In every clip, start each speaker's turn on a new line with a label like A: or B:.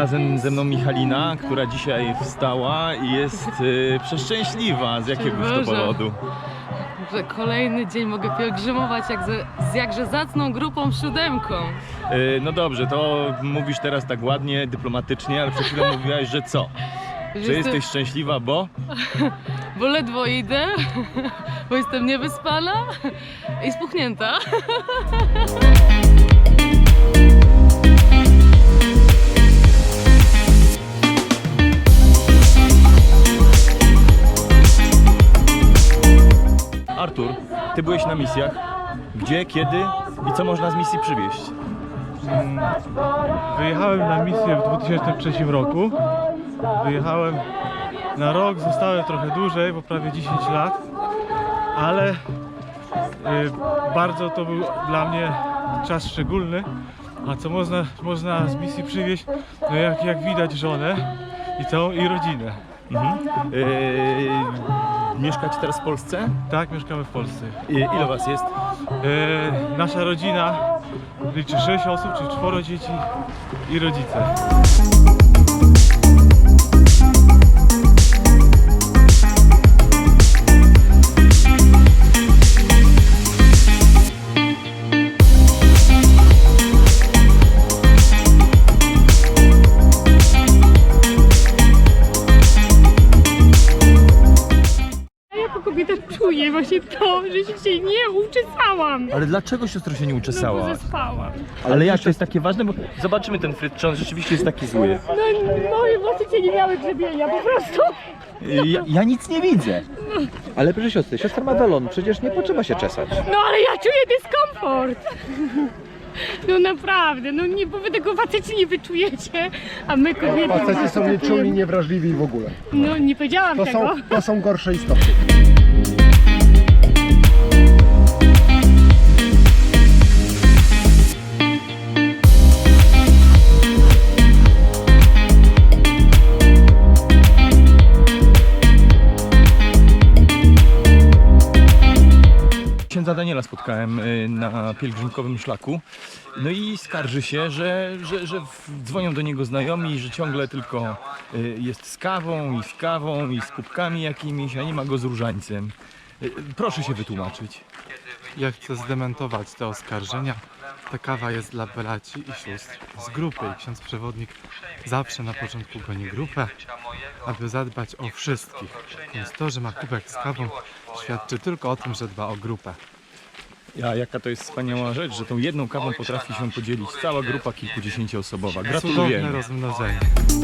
A: razem ze mną Michalina, która dzisiaj wstała i jest przeszczęśliwa. Z jakiegoś to powodu?
B: Że kolejny dzień mogę pielgrzymować z jakże zacną grupą siódemką.
A: No dobrze, to mówisz teraz tak ładnie, dyplomatycznie, ale przed chwilą mówiłaś, że co? Że jesteś szczęśliwa, bo?
B: Bo ledwo idę, bo jestem niewyspana i spuchnięta.
A: Artur, ty byłeś na misjach. Gdzie, kiedy i co można z misji przywieźć?
C: Wyjechałem na misję w 2003 roku. Wyjechałem na rok, zostałem trochę dłużej, bo prawie 10 lat, ale bardzo to był dla mnie czas szczególny. A co można z misji przywieźć? No jak widać żonę i rodzinę.
A: Mieszkacie teraz w Polsce?
C: Tak, mieszkamy w Polsce.
A: Ile was jest?
C: Nasza rodzina liczy 6 osób, czyli 4 dzieci i rodzice.
D: Czuję właśnie to, że się nie uczesałam.
A: Ale dlaczego siostro się nie
D: No
A: uczesała?
D: bo zaspałam.
A: Ale jak to jest takie ważne? Bo zobaczymy ten fryt, czy on rzeczywiście jest taki zły.
D: No moje włosy cię nie miały grzebienia po prostu.
A: Ja nic nie widzę.
E: Ale proszę siostry, siostra ma welon, przecież nie potrzeba się czesać.
D: No ale ja czuję dyskomfort. No naprawdę, no nie, bo wy tego faceci nie wyczujecie, a my kobiety...
F: Faceci są nieczulni, niewrażliwi w ogóle.
D: No nie powiedziałam tego.
F: To są gorsze istoty.
A: Księdza Daniela spotkałem na pielgrzymkowym szlaku. No i skarży się, że dzwonią do niego znajomi, że ciągle tylko jest z kawą i z kubkami jakimiś, a nie ma go z różańcem. Proszę się wytłumaczyć.
C: Ja chcę zdementować te oskarżenia. Ta kawa jest dla braci i sióstr z grupy i ksiądz przewodnik zawsze na początku goni grupę, aby zadbać o wszystkich. Więc to, że ma kubek z kawą, świadczy tylko o tym, że dba o grupę.
A: Jaka to jest wspaniała rzecz, że tą jedną kawą potrafi się podzielić cała grupa kilkudziesięcioosobowa.
C: Cudowne
A: Gratulujemy.
C: rozmnożenie.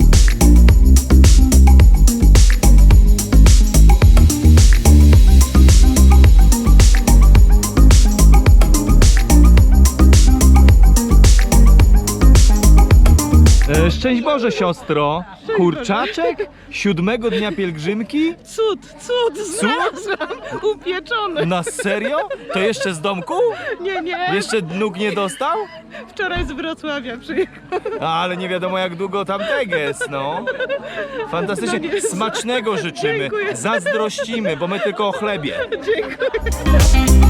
A: Szczęść Boże, siostro! Kurczaczek? 7 dnia pielgrzymki?
B: Cud, znalazłam, upieczony.
A: Na serio? To jeszcze z domku?
B: Nie,
A: Jeszcze nóg nie dostał?
B: wczoraj z Wrocławia przyjechał.
A: Ale nie wiadomo jak długo tam teges, no. Fantastycznie. Smacznego życzymy.
B: Dziękuję.
A: Zazdrościmy, bo my tylko o chlebie.
B: Dziękuję.